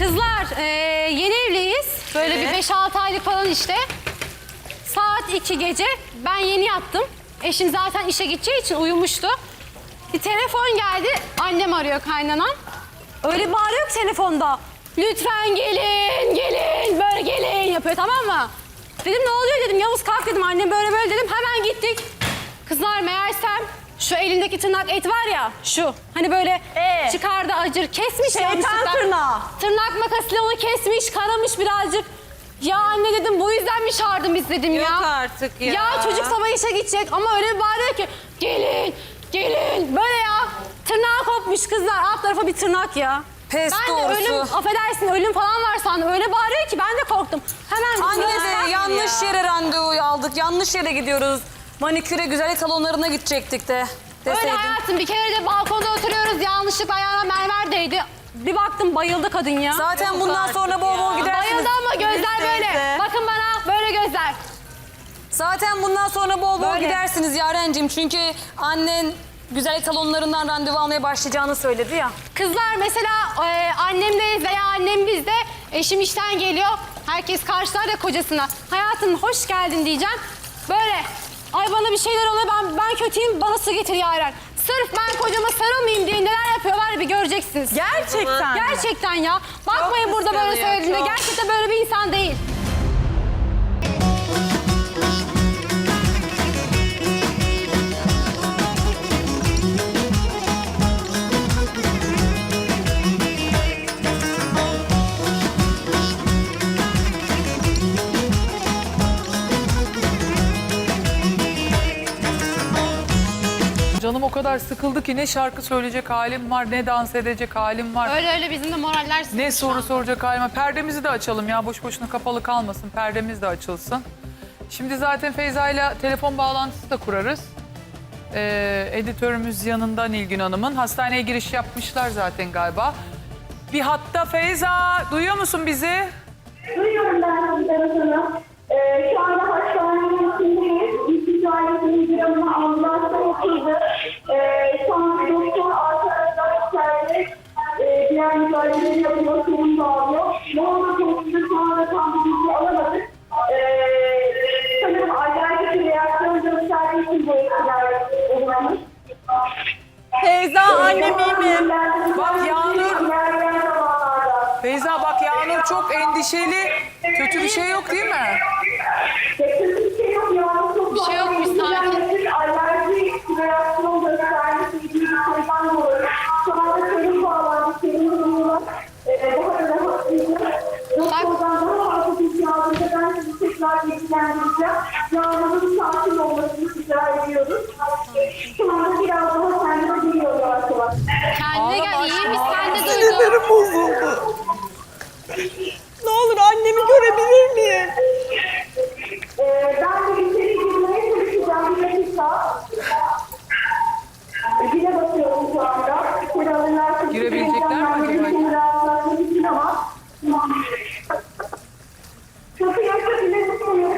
Kızlar yeni evliyiz. Böyle Evet. bir 5-6 aylık falan işte. Saat 2 gece. Ben yeni yattım. Eşim zaten işe gideceği için uyumuştu. Bir telefon geldi. Annem arıyor, kaynanan. Öyle bağırıyor ki telefonda. Lütfen gelin, gelin, böyle gelin yapıyor, tamam mı? Dedim ne oluyor dedim. Yavuz kalk dedim. Annem böyle böyle dedim. Hemen gittik. Kızlar meğersem şu elindeki tırnak et var ya, şu. Hani böyle çıkardı acır. Kesmiş yanlışlıkla. tırnağı. Tırnak makasıyla onu kesmiş, karamış birazcık. Ya anne dedim, bu yüzden mi çağırdın biz dedim ya. Yok artık ya. Ya çocuk sabah işe gidecek ama öyle bir bağırıyor ki gelin, gelin. Böyle ya. Tırnağı kopmuş kızlar. Alt tarafa bir tırnak ya. Pes Ben de doğrusu. ölüm, affedersin ölüm falan var sandım. Öyle bağırıyor ki ben de korktum. Hemen Anne tırnağı- de yanlış yere randevu aldık. Yanlış yere gidiyoruz. Maniküre, güzellik salonlarına gidecektik de. Öyle Deseydin. hayatım, bir kere de balkonda oturuyoruz. Yanlışlıkla ayağına mermer değdi. Bir baktım bayıldı kadın ya. Zaten bundan sonra bol bol gidersiniz. Bayıldı ama gözler böyle. Bakın bana, böyle gözler. Zaten bundan sonra bol bol Böyle. gidersiniz Yarencim. Çünkü annen güzellik salonlarından randevu almaya başlayacağını söyledi ya. Kızlar mesela annemdeyiz veya annem bizde. Eşim işten geliyor. Herkes karşılar ya kocasına. Hayatım hoş geldin diyeceğim. Böyle. Ay bana bir şeyler oluyor, ben kötüyüm, bana su getir Yaren. Sırf ben kocama sarılmayayım diye neler yapıyorlar bir göreceksiniz. Gerçekten. Gerçekten ya. Bakmayın burada böyle kıskanıyor, söylediğinde. çok. Gerçekten böyle bir insan değil. Canım o kadar sıkıldı ki ne şarkı söyleyecek halim var, ne dans edecek halim var. Öyle öyle bizim de moraller Ne soru soracak halim var. Perdemizi de açalım ya, boş boşuna kapalı kalmasın. Perdemiz de açılsın. Şimdi zaten Feyza ile telefon bağlantısı da kurarız. Editörümüz yanında Nilgün Hanım'ın. Hastaneye giriş yapmışlar zaten galiba. Bir hatta Feyza, duyuyor musun bizi? Duyuyorum ben sizden sana. Şu anda hastanenin içindeyiz. İlk ailesinin bir yanına ambulansla oturdu. Şu an doktor arkadaşlar içeride diğer müdahaleleri yapıyor, sorun bağlıyor. Ne oldu konusunda şu anda tam bir bilgi alamadık. Sanırım acayip bir reaksiyon gösterdiği için bu etkiler uğramış. Feyza annem iyi mi? Bak Yağnur, İlerleyen zamanlarda. Feyza bak Yağnur çok endişeli. Kötü bir şey yok değil mi? Bir şey yok ya. Çok Bir şey yokmuş, sakin. Alerji reaksiyon göstermesi gibi bir şeyden dolayı. Şu anda serum bağlandı. Serum durumuna daha da rahatsızlık. Doktordan daha fazla bilgi aldığında ben sizi tekrar bilgilendireceğim. Yağmurun sakin olmasını rica ediyoruz. Şu anda biraz daha kendine geliyor yavaş yavaş. Kendine gel, iyi biz sen de duyduk. Sinirlerim bozuldu. Ne olur annemi görebilir miyim? Ben de içeri girmeye çalışacağım. Bir dakika. Zile basıyorum şu anda. İçeri alırlarsa Girebilecekler mi acaba? Kapıyı açabilir misiniz?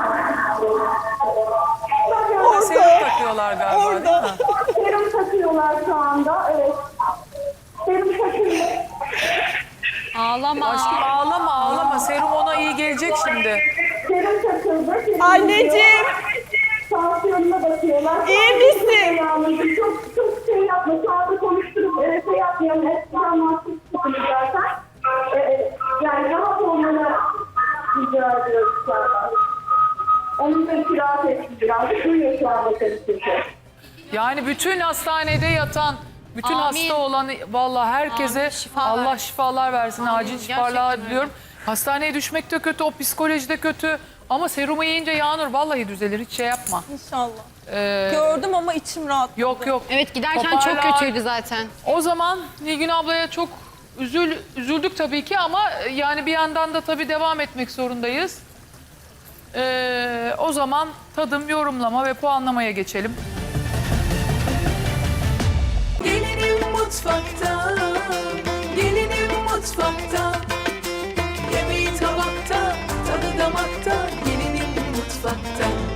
Serum takıyorlar galiba değil mi? Serum takıyorlar şu anda. Evet. Serum takıyor. Ağlama. Aşkım ağlama ağlama. Serum ona iyi gelecek şimdi. Serum takıldı. Serum Anneciğim. tansiyonuna bakıyorlar. İyi misin? Çok şey yapma. Şu anda konuşturup şey yapmayalım. Eskiden mahsus tutuyor zaten. Yani rahat olmanı rica ediyoruz şu anda. Onun da istirahat etsin biraz. Duyuyor şu anda tabii ki. Yani bütün hastanede yatan, bütün Amin. hasta olan vallahi herkese Amin, şifa Allah versin. şifalar versin. Acil şifalar gerçekten diliyorum. Hastaneye düşmek de kötü, o psikoloji de kötü. Ama serumu yiyince Yağnur vallahi düzelir. Hiç şey yapma. İnşallah. Ee, Gördüm ama içim rahat. yok yok. Evet, giderken çok Toparlar. kötüydü zaten. O zaman Nilgün ablaya çok üzüldük tabii ki ama yani bir yandan da tabii devam etmek zorundayız. O zaman tadım, yorumlama ve puanlamaya geçelim. Gelinim mutfakta, gelinim mutfakta. Yemeği tabakta, tadı damakta, gelinim mutfakta.